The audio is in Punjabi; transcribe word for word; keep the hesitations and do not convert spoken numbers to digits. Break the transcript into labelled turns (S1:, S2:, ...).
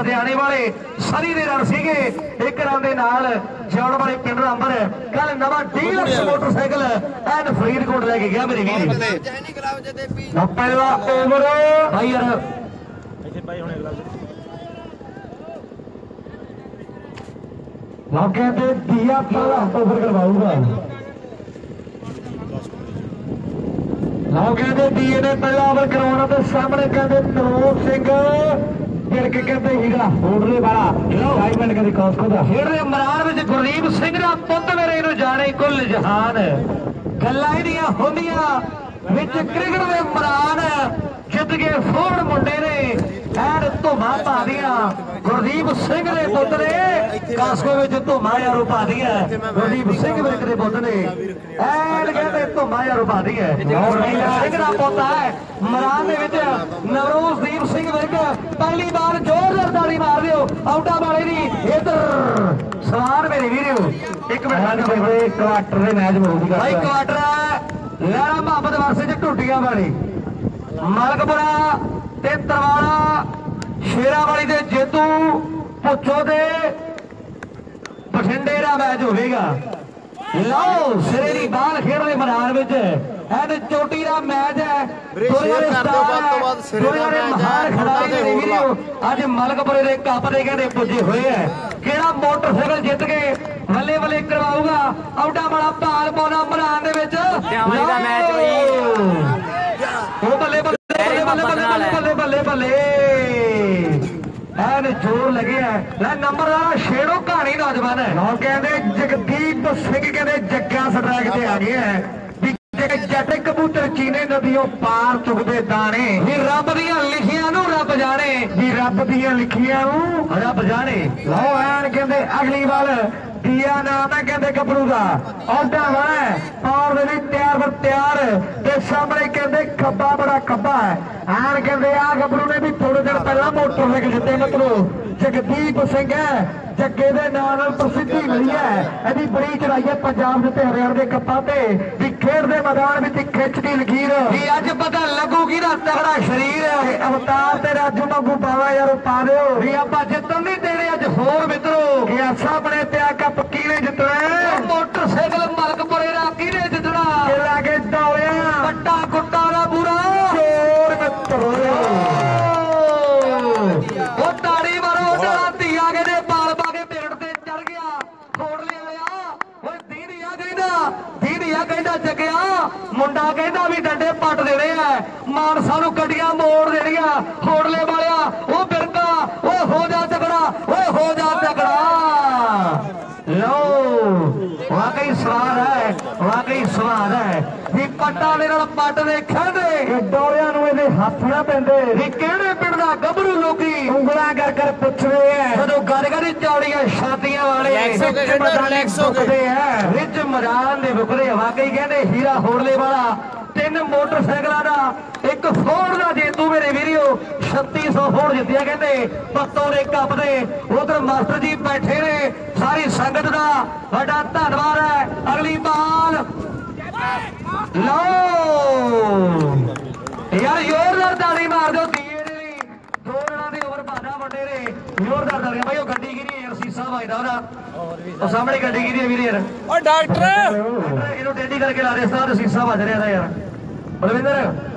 S1: ਲੁਧਿਆਣੇ ਵਾਲੇ ਸਰੀ ਦੇ ਰਨ ਸੀਗੇ ਇੱਕ ਰਨ ਦੇ ਨਾਲ ਜਾਣ ਵਾਲੇ ਪਿੰਡ ਦਾ ਅੰਬਰ ਕੱਲ ਨਵਾਂ ਡੀਲਕਸ ਮੋਟਰਸਾਈਕਲ ਐਨ ਫਰੀਦਕੋਟ ਲੈ ਕੇ ਗਿਆ ਮੇਰੇ ਵੀਰ ਪਹਿਲਾ ਓਵਰ ਭਾਈ ਯਾਰ ਇੱਥੇ ਭਾਈ ਹੁਣੇ ਅਗਲਾ ਮੌਕੇ ਤੇ ਦੀਆ ਪਹਿਲਾ ਓਵਰ ਕਰਵਾਊਗਾ ਮੌਕੇ ਤੇ ਦੀਏ ਨੇ ਪਹਿਲਾ ਓਵਰ ਕਰਵਾਉਣਾ ਤੇ ਸਾਹਮਣੇ ਕਹਿੰਦੇ ਨਰੋਜ ਸਿੰਘ ਫਿਰ ਕੇ ਕਹਿੰਦੇ ਹੀਰਾ ਹੋੜਲੇ ਵਾਲਾ ਡਾਇਮੰਡ ਕਹਿੰਦੇ ਕਾਸਕੋ ਦਾ ਖੇਡਦੇ ਮੈਦਾਨ ਵਿੱਚ ਗੁਰਦੀਪ ਸਿੰਘ ਦਾ ਪੁੱਤ ਮੇਰੇ ਨੂੰ ਜਾਣੇ ਕੁੱਲ ਜਹਾਨ ਗੱਲਾਂ ਇਹਦੀਆਂ ਹੁੰਦੀਆਂ ਵਿੱਚ ਕ੍ਰਿਕਟ ਦੇ ਮੈਦਾਨ ਜਿੱਤ ਕੇ ਫੋੜ ਮੁੰਡੇ ਨੇ ਐਨ ਧੁਮਾ ਪਾ ਦੀਆਂ ਗੁਰਦੀਪ ਸਿੰਘ ਦੇ ਪੁੱਤ ਨੇ ਕਾਸਕੋ ਵਿੱਚ ਧੁਮਾ ਯਾਰੋ ਪਾ ਦੀਆਂ ਗੁਰਦੀਪ ਸਿੰਘ ਵਿਰਕ ਦੇ ਪੁੱਤ ਨੇ ਐਨ ਕਹਿੰਦੇ ਧੁਮਾ ਯਾਰੋ ਪਾ ਦੀਆਂ ਸਿੰਘ ਦਾ ਪੁੱਤ ਹੈ ਮੈਦਾਨ ਦੇ ਵਿੱਚ ਨਵਰੋਜ਼ਦੀਪ ਸਿੰਘ ਵਿਰਕ ਪਹਿਲੀ ਬਾਰ ਜ਼ੋਰਦਾਰ ਤਾੜੀ ਮਾਰ ਦਿਓ ਆਊਟਾਂ ਵਾਲੇ ਦੀ ਇੱਧਰ ਸਵਾਰ ਮੇਰੇ ਵੀਰੋ ਇੱਕ ਮਿੰਟ ਬਈ ਕੁਆਟਰ ਦੇ ਮੈਚ ਹੋਊਗਾ ਭਾਈ ਕੁਆਟਰ ਲਹਿਰਾ ਮੁਹੱਬਤ ਵਰਸੇ ਚ ਟੁੱਟੀਆਂ ਵਾਲੀ ਮਲਕਪੁਰਾ ਤੇ ਤਰਵਾਲਾ ਸ਼ੇਰਾਵਾਲੀ ਦੇ ਜੇਤੂ ਪੁੱਛੋ ਦੇ ਬਠਿੰਡੇ ਦਾ ਮੈਚ ਹੋਵੇਗਾ ਲਓ ਸਿਰੇ ਦੀ ਬਾਲ ਖੇਡਦੇ ਮੈਦਾਨ ਵਿੱਚ ਐਨ ਚੋਟੀ ਦਾ ਮੈਚ ਹੈ ਦੋਵੇਂ ਮਹਾਨ ਖਿਡਾਰੀ ਦੇ ਵੀਡੀਓ ਅੱਜ ਮਲਕਪੁਰੇ ਦੇ ਕੱਪ ਦੇ ਕਹਿੰਦੇ ਪੁੱਜੇ ਹੋਏ ਹੈ ਕਿਹੜਾ ਮੋਟਰਸਾਈਕਲ ਜਿੱਤ ਕੇ ਬੱਲੇ ਬੱਲੇ ਕਰਵਾਊਗਾ ਆਊਟਾਂ ਵਾਲਾ ਭਾਲ ਪਾਉਣਾ ਮੈਦਾਨ ਦੇ ਵਿੱਚ ਦਾ ਮੈਚ ਉਹ ਬੱਲੇ ਬੱਲੇ ਬੱਲੇ ਬੱਲੇ ਬੱਲੇ ਬੱਲੇ ਬੱਲੇ ਐਨ ਜੋਰ ਲੱਗਿਆ ਲੈ ਨੰਬਰਦਾਰ ਛੇੜੋ ਕਹਾਣੀ ਨੌਜਵਾਨ ਹੈ ਨਾ ਕਹਿੰਦੇ ਜਗਦੀਪ ਸਿੰਘ ਕਹਿੰਦੇ ਜੱਗਾ ਸਟਰੈਕ ਤੇ ਆ ਗਿਆ ਜੱਟ ਕਬੂਤਰ ਚੀਨੇ ਨਦੀਓ ਪਾਰ ਚੁਗਦੇ ਦਾਣੇ ਵੀ ਰੱਬ ਦੀਆਂ ਲਿਖੀਆਂ ਨੂੰ ਰੱਬ ਜਾਣੇ ਵੀ ਰੱਬ ਦੀਆਂ ਲਿਖੀਆਂ ਨੂੰ ਰੱਬ ਜਾਣੇ ਲਓ ਐਨ ਕਹਿੰਦੇ ਅਗਲੀ ਵਾਰ ਦੀਆ ਨਾਮ ਹੈ ਕਹਿੰਦੇ ਗੱਭਰੂ ਦਾ ਆਉਂਦਾ ਵਾ ਪਾਰ ਦੇ ਲਈ ਤਿਆਰ ਬਰ ਤਿਆਰ ਤੇ ਸਾਹਮਣੇ ਕਹਿੰਦੇ ਖੱਬਾ ਬੜਾ ਖੱਬਾ ਹੈ ਐਨ ਕਹਿੰਦੇ ਆ ਗੱਭਰੂ ਨੇ ਵੀ ਥੋੜੇ ਦਿਨ ਪਹਿਲਾਂ ਮੋਟਰਸਾਈਕਲ ਜਿੱਤੇ ਮਤਲਬ ਜਗਦੀਪ ਸਿੰਘ ਹੈ ਜੱਗੇ ਦੇ ਨਾਂ ਨਾਲ ਪ੍ਰਸਿੱਧੀ ਮਿਲੀ ਹੈ ਇਹਦੀ ਬੜੀ ਚੜਾਈ ਹੈ ਪੰਜਾਬ ਦੇ ਤੇ ਹਰਿਆਣਾ ਦੇ ਕੱਪਾਂ ਤੇ ਵੀ ਖੇਡ ਦੇ ਮੈਦਾਨ ਵਿੱਚ ਖਿੱਚਦੀ ਲਕੀਰ ਵੀ ਅੱਜ ਪਤਾ ਲੱਗੂਗੀ ਨਾ ਤਗੜਾ ਸਰੀਰ ਹੈ ਅਵਤਾਰ ਤੇ ਰਾਜੂ ਵਾਂਗੂ ਪਾਵਾ ਯਾਰ ਪਾ ਦਿਓ ਵੀ ਆਪਾਂ ਜਿੱਤਣ ਨਹੀਂ ਦੇਣੇ ਅੱਜ ਹੋਰ ਮਿੱਤਰੋ ਇਹ ਸਾਹਮਣੇ ਤੇ ਆ ਕੱਪ ਕਿਹਨੇ ਜਿੱਤਣਾ ਮੋਟਰਸਾਈਕਲ ਮਲਕਪੁਰੇ ਦਾ ਕਿਹਨੇ ਜਿੱਤਣਾ ਇਹ ਲਾਗੇ ਦੌੜਿਆ ਵੱਡਾ ਗੁੱਟਾ ਦਾ ਬੁਰਾ ਚੋਰ ਮਿੱਤਰੋ ਉਹ ਤਾੜੀ ਮਾਰੋ ਜਿਹੜਾ ਧੀਆ ਕੇ ਦੇ ਬਾਲ ਪਾ ਕੇ ਪੇੜ ਤੇ ਚੜ ਗਿਆ ਖੋੜਲੇ ਵਾਲਿਆ ਓਏ ਦੀਦੀਆ ਕਹਿੰਦਾ ਦੀਦੀਆ ਕਹਿੰਦਾ ਜੱਗਿਆ ਮੁੰਡਾ ਕਹਿੰਦਾ ਵੀ ਡੰਡੇ ਪੱਟ ਦੇਣੇ ਆ ਮਾਨਸਾ ਨੂੰ ਗੱਡੀਆਂ ਮੋੜ ਦੇਣੀਆਂ ਖੋੜਲੇ ਵਾਲਿਆ ਉਹ ਬਿਰਕਾ ਓਏ ਹੋ ਜਾ ਤਕੜਾ ਓਏ ਹੋ ਜਾ ਤਕੜਾ ਲਓ ਵਾਕਈ ਸਵਾਦ ਹੈ ਵਾਕਈ ਸਵਾਦ ਹੈ ਵੀ ਪੱਟਾਂ ਦੇ ਨਾਲ ਪੱਟ ਦੇ ਖੇਡਦੇ ਡੋਲਿਆਂ ਨੂੰ ਇਹਦੇ ਹੱਥ ਨਾ ਪੈਂਦੇ ਵੀ ਕਿਹੜੇ ਪਿੰਡ ਦਾ ਗੱਭਰੂ ਲੋਕੀ ਉਂਗਲਾਂ ਕਰ ਕਰ ਪੁੱਛਦੇ ਐ ਜਦੋਂ ਗੱਲ ਕਰੀ ਚੌੜੀਆਂ ਛਾਤੀਆਂ ਵਾਲੇ ਸੁੱਕਦੇ ਐ ਵਿੱਚ ਮੈਦਾਨ ਦੇ ਬੁਕਰੇ ਵਾਕਈ ਕਹਿੰਦੇ ਹੀਰਾ ਹੋੜਲੇ ਵਾਲਾ ਤਿੰਨ ਮੋਟਰਸਾਈਕਲਾਂ ਦਾ ਇੱਕ ਫੋੜ ਦਾ ਜੇਤੂ ਮੇਰੇ ਵੀਰੋ ਛੱਤੀ ਸੌ ਫੋੜ ਜਿੱਤਿਆ ਕਹਿੰਦੇ ਪੱਤੋਂ ਦੇ ਕੱਪ ਦੇ ਉਧਰ ਮਾਸਟਰ ਜੀ ਬੈਠੇ ਨੇ ਸਾਰੀ ਸੰਗਤ ਦਾ ਵੱਡਾ ਧੰਨਵਾਦ ਹੈ ਅਗਲੀ ਬਾਲ ਲਓ ਯਾਰ ਜ਼ੋਰਦਾਰ ਤਾੜੀ ਮਾਰ ਦਿਓ ਦੀਏ ਦੇ ਲਈ ਦੋ ਰਨਾਂ ਦੇ ਓਵਰ ਬਾਦਾ ਵੱਡੇ ਨੇ ਜ਼ੋਰਦਾਰ ਤਾੜੀਆਂ ਭਾਈ ਉਹ ਗੱਡੀ ਗਿਰੀ ਯਾਰ ਸੀਸਾ ਵੱਜਦਾ ਉਹਦਾ ਉਹ ਸਾਹਮਣੇ ਗੱਡੀ ਗਿਰੀ ਹੈ ਵੀਰੇ ਯਾਰ ਓ ਡਾਕਟਰ ਇਹਨੂੰ ਟੇਢੀ ਕਰਕੇ ਲਾ ਦੇ ਸਾਹ ਸੀਸਾ ਵੱਜ ਰਿਹਾ ਦਾ ਯਾਰ ਬਲਵਿੰਦਰ